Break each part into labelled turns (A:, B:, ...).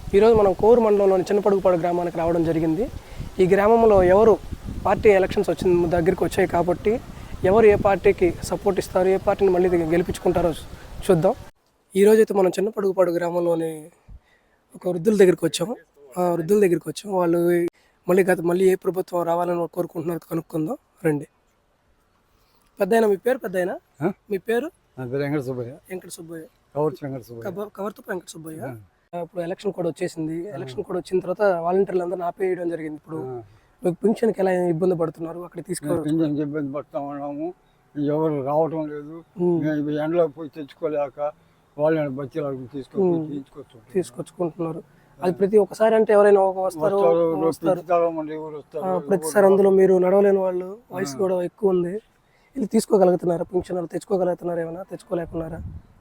A: ఈరోజు మనం కోరు మండలంలోని చిన్నపడుగుపాడు గ్రామానికి రావడం జరిగింది. ఈ గ్రామంలో ఎవరు పార్టీ ఎలక్షన్స్ వచ్చిన దగ్గరికి వచ్చాయి కాబట్టి ఎవరు ఏ పార్టీకి సపోర్ట్ ఇస్తారు, ఏ పార్టీని మళ్ళీ గెలిపించుకుంటారో చూద్దాం. ఈరోజు అయితే మనం చిన్నపడుగుపాడు గ్రామంలోని ఒక వృద్ధుల దగ్గరికి వచ్చాము. ఆ వృద్ధుల దగ్గరికి వచ్చాము. వాళ్ళు మళ్ళీ ఏ ప్రభుత్వం రావాలని కోరుకుంటున్నారో కనుక్కుందాం రండి. పెద్దయినా మీ పేరు? పెద్దయినా మీ పేరు?
B: వెంకట సుబ్బయ్య.
A: వెంకట సుబ్బయ్య.
B: కవర్తు
A: వెంకట సుబ్బయ్య. ఇప్పుడు ఎలక్షన్ కూడా వచ్చేసింది. ఎలక్షన్ కూడా వచ్చిన తర్వాత వాలంటీర్లు అందరూ ఆపేయడం జరిగింది. ఇప్పుడు మీకు పింఛన్కి ఎలా ఇబ్బంది పడుతున్నారు? అక్కడ
B: పింఛన్కి ఇబ్బంది పడుతూ ఉన్నాము. ఎవరు రావటం లేదు. ఎండలో పోయి తెచ్చుకోలేక వాళ్ళని బచ్చలు
A: తీసుకొచ్చుకుంటున్నారు. అది ప్రతి ఒక్కసారి అంటే ఎవరైనా వస్తారు. ప్రతిసారి అందులో మీరు నడవలేని వాళ్ళు, వయసు కూడా ఎక్కువ ఉంది, ఇది తీసుకోగలుగుతున్నారా? పింఛన్ తెచ్చుకోగలుగుతున్నారు? ఏమైనా తెచ్చుకోలేకున్నారా?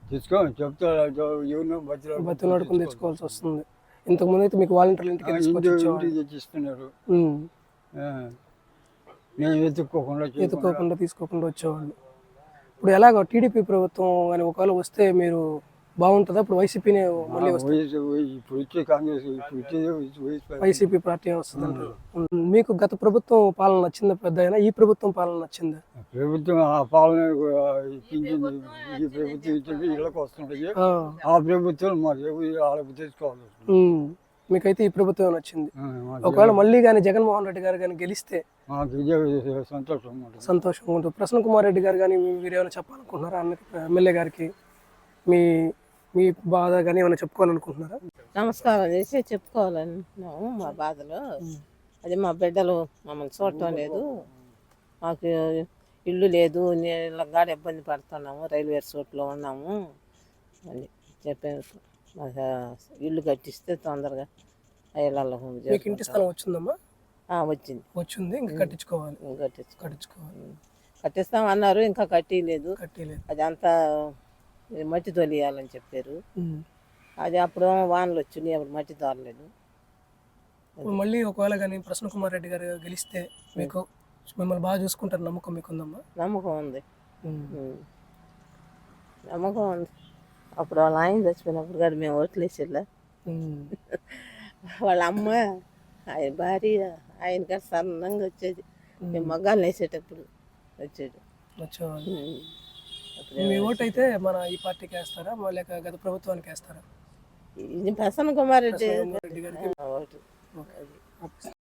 A: బతులాడుకుని తెచ్చుకోవాల్సి వస్తుంది. ఇంతకుముందు అయితే మీకు వాలంటీర్లు ఇంటికి
B: తెచ్చిస్తున్నారు.
A: ఎత్తుకోకుండా తీసుకోకుండా వచ్చేవాళ్ళు. ఇప్పుడు ఎలాగో టీడీపీ ప్రభుత్వం కానీ ఒకవేళ వస్తే మీరు బాగుంటుందా? ఇప్పుడు వైసీపీనే మళ్ళీ వైసీపీ పార్టీ వస్తుంది. మీకు గత ప్రభుత్వం పాలన నచ్చిందా? పెద్ద అయినా ఈ ప్రభుత్వం పాలన నచ్చిందా?
B: ప్రభుత్వం ఆ పాలన ఈ ప్రభుత్వం ఇచ్చేది ఇళ్ళకి వస్తుంటాయి. ఆ ప్రభుత్వం మరి తెచ్చుకోవాలి.
A: మీకైతే ఈ ప్రభుత్వం నచ్చింది. ఒకవేళ మళ్ళీ కానీ జగన్మోహన్ రెడ్డి గారు కానీ గెలిస్తే సంతోషంగా ఉంటుంది. ప్రసన్న కుమార్ రెడ్డి గారు కానీ మీరు ఏమైనా చెప్పాలనుకుంటున్నారా? ఎమ్మెల్యే గారికి మీ మీ బాధ కానీ ఏమైనా చెప్పుకోవాలనుకుంటున్నారా?
C: నమస్కారం చేసి చెప్పుకోవాలనుకుంటున్నాము మా బాధలో. అది మా బిడ్డలు మమ్మల్ని చూడటం లేదు, మాకు ఇల్లు లేదు, నీళ్ళగా ఇబ్బంది పడుతున్నాము, రైల్వే చోట్లో ఉన్నాము అని చెప్పాను. మాకు ఇల్లు కట్టిస్తే తొందరగా ఇళ్ళలో
A: ఇంటి స్థలం వచ్చిందమ్మా?
C: వచ్చింది.
A: ఇంకా కట్టించుకోవాలి.
C: కట్టిస్తాం అన్నారు, ఇంకా కట్టలేదు. అది అంతా మట్టి తొలియాలని చెప్పారు. అది అప్పుడు వానలు వచ్చినాయి, అప్పుడు మట్టి తోలలేదు.
A: మళ్ళీ ఒకవేళ కానీ ప్రసన్న కుమార్ రెడ్డి గారు గెలిస్తే మీకు మిమ్మల్ని బాగా చూసుకుంటారు నమ్మకం మీకు ఉందమ్మా?
C: నమ్మకం ఉంది. అప్పుడు వాళ్ళ ఆయన చచ్చిపోయినప్పుడు కానీ మేము ఓట్లు వేసేలా, వాళ్ళ అమ్మ ఆయన భార్య ఆయన గారు సన్నంగా వచ్చేది. మేము మగ్గాలు వేసేటప్పుడు వచ్చేది.
A: మీ ఓటు అయితే మన ఈ పార్టీకి వేస్తారా లేక గత ప్రభుత్వానికి వేస్తారా?
C: ప్రసన్న కుమార్ రెడ్డి
A: గారికి ఓటు.